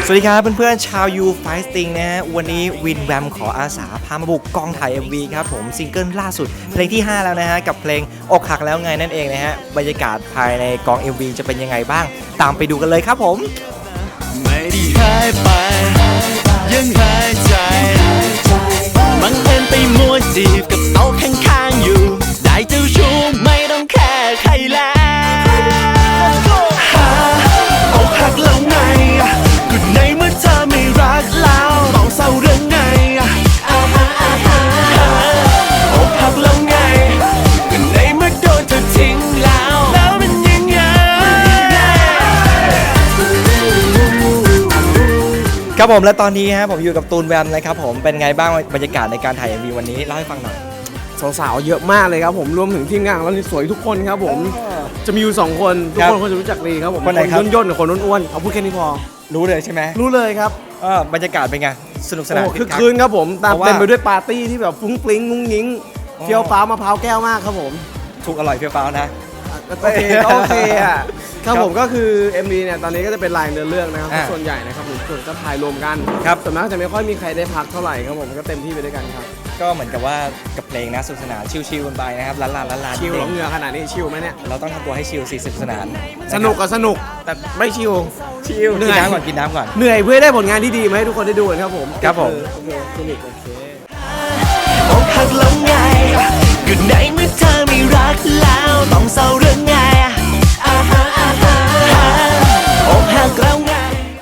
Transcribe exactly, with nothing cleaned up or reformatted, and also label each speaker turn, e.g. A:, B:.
A: สวัสดีครับเพื่อนๆชาวยูไฟสติงนะฮะวันนี้วินแวมขออาสาพามาบุกกองถ่าย เอ็ม วี ครับผมซิงเกิลล่าสุดเพลงที่ห้าแล้วนะฮะกับเพลงอกหักแล้วไงนั่นเองนะฮะบรรยากาศภายในกอง เอ็ม วี จะเป็นยังไงบ้างตามไปดูกันเลยครับผม
B: ไม่ได้หายไปยังหายใจบังเอิญไปมัวจีบกับโต๊ะข้างๆอยู่ได้เจ้าชู้ไม่ต้องแค่ใครแล้วอกหักแล้วไงก็ในเมื่อเธอไม่รักแล้วมองเศร้าเรื่องไงอกหักแล้วไงก็ในเมื่อโดนเธอทิ้งแล้วแล้วมันยังไง
A: ครับผมและตอนนี้ฮะผมอยู่กับตูนแวมนะครับผมเป็นไงบ้างบรรยากาศในการถ่าย เอ็ม วี วันนี้เล่าให้ฟังหน่อย
C: สาวๆเยอะมากเลยครับผมรวมถึงทีมงานเราสวยทุกคนครับผมจะมีอยู่สองคนทุกคนคนจะรู้จักดีครับผมคนย่นๆกับคนอ้วนๆเอาพูดแค่นี้พอ
A: รู้เลยใช่ไหม
C: รู้เลยครับ
A: เออบรรยากาศเป็นไงสนุกสนาน
C: คือคืนครับผมตามเต็มไปด้วยปาร์ตี้ที่แบบฟุ้งฟลิ้งงุ้งงิ้งเฟี้ยวฟ้ามะพร้าวแก้วมากครับผม
A: ถูกอร่อยเฟี้ยวฟ้าวนะ
C: โอเคโอเคอ่ะครับผมก็คือ เอ็ม วี เนี่ยตอนนี้ก็จะเป็นลายเนื้อเรื่องนะครับส่วนใหญ่นะครับผมส่วนจะถ่ายรวมกันครับส่วนมากจะไม่ค่อยมีใครได้พักเท่าไหร่ครับผมก็เต็มที่ไปด้วยกันครับ
A: ก็เหมือนกับว่ากับเพลงนะสนุกสนานชิลๆกันไปนะครับล้านลาล้านลา
C: ชิลเหงื่อขนาดนี้ชิลไหมเนี่ย
A: เราต้องทำตัวให้ชิลสิสนุกสนาน
C: สนุกก็สนุกแต่ไม่ชิล
A: ชิลกินน้ำก่อนกินน้ำก่อน
C: เหนื่อยเพื่อได้ผลงานที่ดีมาให้ทุกคนได้ดูครับผม
A: ครับผม
C: โอเคสนุกโอเค
B: อกหักแล้วไงก็ในเมื่อเธอ